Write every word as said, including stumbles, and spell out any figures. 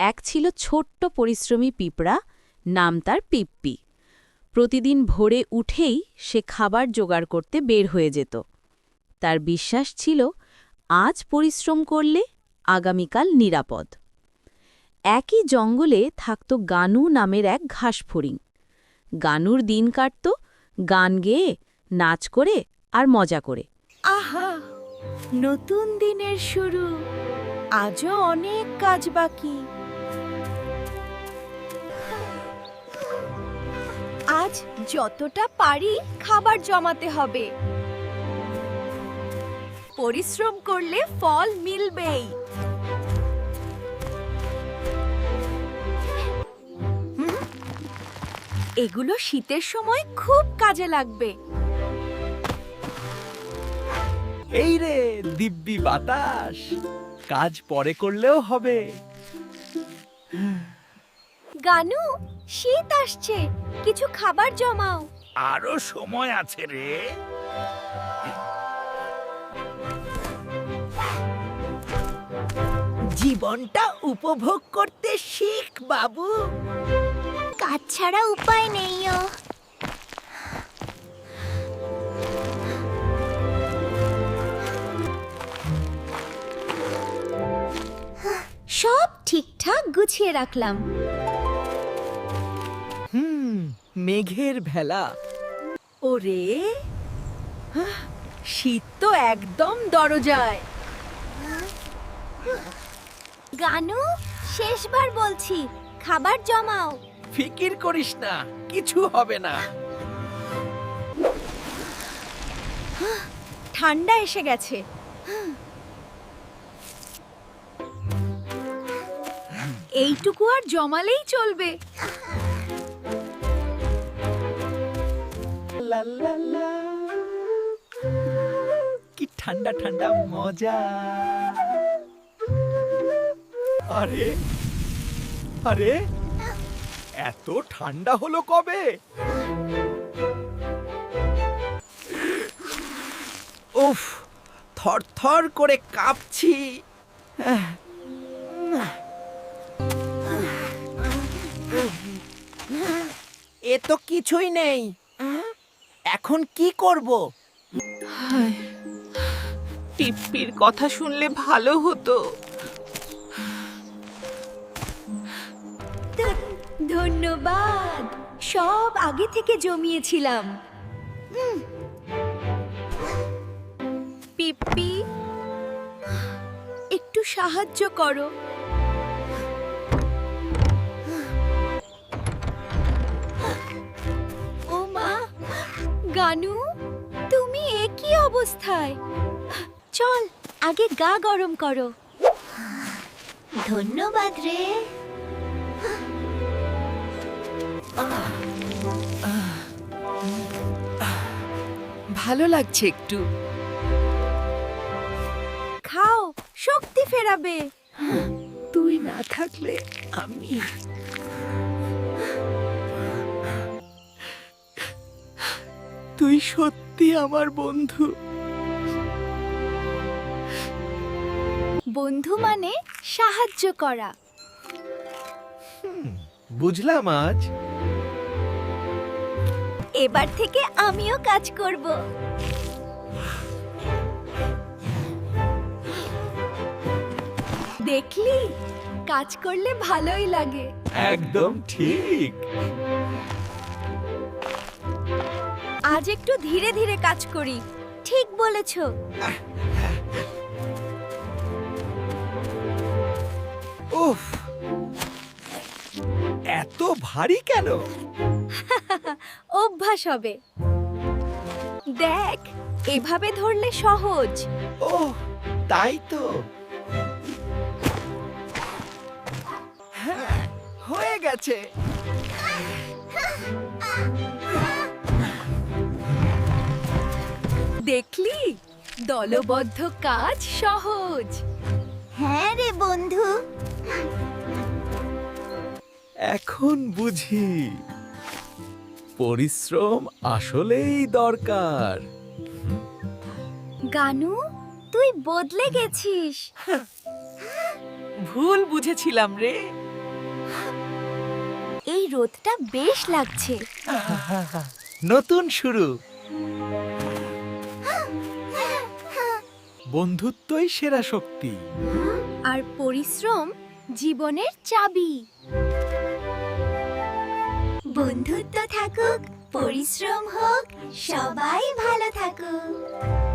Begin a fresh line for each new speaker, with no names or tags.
এক ছিল ছোট্ট পরিশ্রমী পিঁপড়া, নাম তার পিপ্পি। প্রতিদিন ভোরে উঠেই সে খাবার জোগাড় করতে বের হয়ে যেত। তার বিশ্বাস ছিল, আজ পরিশ্রম করলে আগামীকাল নিরাপদ। একই জঙ্গলে থাকত গানু নামের এক ঘাসফড়িং। গানুর দিন কাটত গান গেয়ে, নাচ করে আর মজা করে।
আহা, নতুন দিনের শুরু, আজও অনেক কাজ বাকি। আজ যতটা পারি খাবার জমাতে হবে। পরিশ্রম করলে ফল মিলবেই। হুম, এগুলো শীতের সময় খুব কাজে লাগবে।
এই রে দিব্যি বাতাস, কাজ পরে করলেও হবে।
গানু, শীত আসছে, কিছু খাবার জমাও।
আরো সময় আছে রে। জীবনটা উপভোগ করতে শিখ বাবু।
কাজ ছাড়া উপায় নেই। সব ঠিকঠাক গুছিয়ে রাখলাম।
হুম, মেঘের ভেলা।
ওরে, শীত তো একদম দরজায়। গানু, শেষবার বলছি, খাবার জমাও।
ফিকির করিস না, কিছু হবে না।
ঠান্ডা এসে গেছে। এইটুকু আর জমালেই চলবে।
লা লা লা। কি ঠান্ডা ঠান্ডা মজা। আরে আরে, এত ঠান্ডা হলো কবে? উফ, থরথর করে কাঁপছি। এ তো কিছুই নেই। এখন কি করব?
পিপ্পির কথা শুনলে ভালো হতো।
ধন্যবাদ, সব আগে থেকে জমিয়েছিলাম। উম। পিপ্পি, একটু সাহায্য করো। ও মা, গানু, তুমি একই অবস্থায়। চল, আগে গা গরম করো। ধন্যবাদ রে।
ভালো লাগছে একটু।
খাও, শক্তি ফেরাবে।
তুই না থাকলে আমি। তুই সত্যি আমার বন্ধু।
বন্ধু মানে সাহায্য করা।
বুঝলাম আজ।
এবার থেকে আমিও কাজ করব। দেখলি, কাজ করলে ভালোই লাগে।
একদম ঠিক।
আজ একটু ধীরে ধীরে কাজ করি। ঠিক বলেছো।
উফ, এত ভারী কেন?
অভ্যাস হবে। দেখ, এভাবে ধরলে সহজ।
ও, তাই তো। হ্যাঁ, হয়ে গেছে।
দেখলি, দলবদ্ধ কাজ সহজ। হ্যাঁ রে বন্ধু।
এখন বুঝি পরিশ্রম আসলেই দরকার।
গানু, তুই বদলে গেছিস।
ভুল বুঝেছিলাম রে।
এই রোদটা বেশ লাগছে।
নতুন শুরু। বন্ধুত্বই সেরা শক্তি।
আর পরিশ্রম জীবনের চাবি। বন্ধুত্ব থাকুক, পরিশ্রম হোক, সবাই ভালো থাকুক।